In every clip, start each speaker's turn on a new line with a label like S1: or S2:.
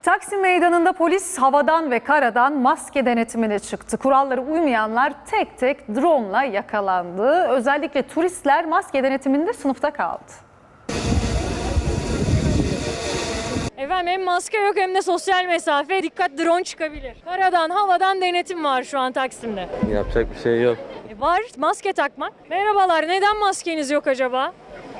S1: Taksim Meydanı'nda polis havadan ve karadan maske denetimine çıktı. Kurallara uymayanlar tek tek drone'la yakalandı. Özellikle turistler maske denetiminde sınıfta kaldı.
S2: Efendim hem maske yok hem de sosyal mesafe. Dikkat, drone çıkabilir. Karadan, havadan denetim var şu an Taksim'de.
S3: Yapacak bir şey yok.
S2: Var maske takmak. Merhabalar, neden maskeniz yok acaba?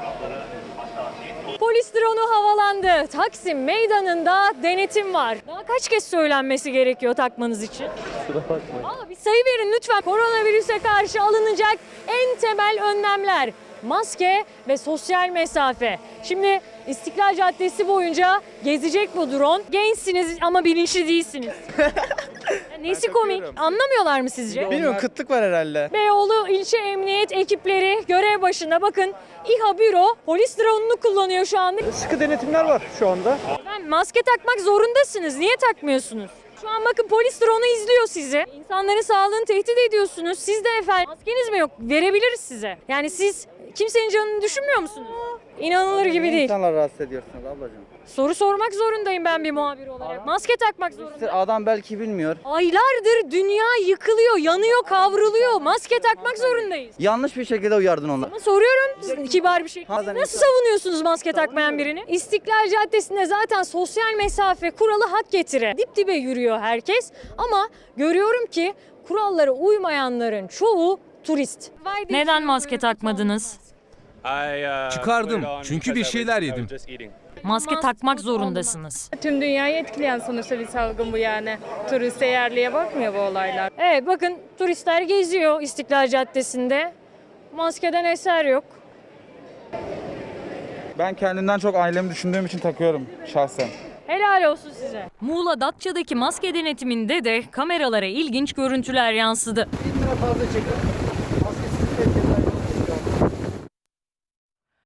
S2: Polis drone'u havalandı. Taksim Meydanı'nda denetim var. Daha kaç kez söylenmesi gerekiyor takmanız için? Bir sayı verin lütfen. Koronavirüse karşı alınacak en temel önlemler. Maske ve sosyal mesafe. Şimdi İstiklal Caddesi boyunca gezecek bu drone. Gençsiniz ama bilinçli değilsiniz. Nesi komik? Anlamıyorlar mı sizce?
S4: Bilmiyorum, kıtlık var herhalde.
S2: Beyoğlu ilçe emniyet ekipleri görev başında. Bakın İHA büro polis drone'unu kullanıyor şu anda.
S4: Sıkı denetimler var şu anda.
S2: Efendim, maske takmak zorundasınız. Niye takmıyorsunuz? Şu an bakın polis drone'u izliyor sizi. İnsanların sağlığını tehdit ediyorsunuz. Siz de efendim maskeniz mi yok? Verebiliriz size. Yani siz kimsenin canını düşünmüyor musunuz? İnanılır gibi değil.
S4: İnsanlar rahatsız ediyorsunuz ablacığım.
S2: Soru sormak zorundayım ben bir muhabir olarak. Maske takmak zorunda.
S4: Adam belki bilmiyor.
S2: Aylardır dünya yıkılıyor, yanıyor, kavruluyor. Maske takmak zorundayız.
S4: Yanlış bir şekilde uyardın onları.
S2: Ama soruyorum kibar bir şey.
S4: Bazen
S2: Nasıl savunuyorsunuz maske takmayan birini? İstiklal Caddesi'nde zaten sosyal mesafe kuralı hak getire. Dip dibe yürüyor herkes ama görüyorum ki kurallara uymayanların çoğu turist. Neden maske takmadınız?
S5: Çıkardım çünkü bir şeyler yedim.
S2: Maske takmak zorundasınız.
S6: Tüm dünyayı etkileyen sonuçta bir salgın bu yani. Turist yerliye bakmıyor bu olaylar.
S2: Evet bakın turistler geziyor İstiklal Caddesi'nde. Maskeden eser yok.
S4: Ben kendimden çok ailemi düşündüğüm için takıyorum şahsen.
S2: Helal olsun size. Muğla Datça'daki maske denetiminde de kameralara ilginç görüntüler yansıdı.
S4: 1000 lira fazla çekin.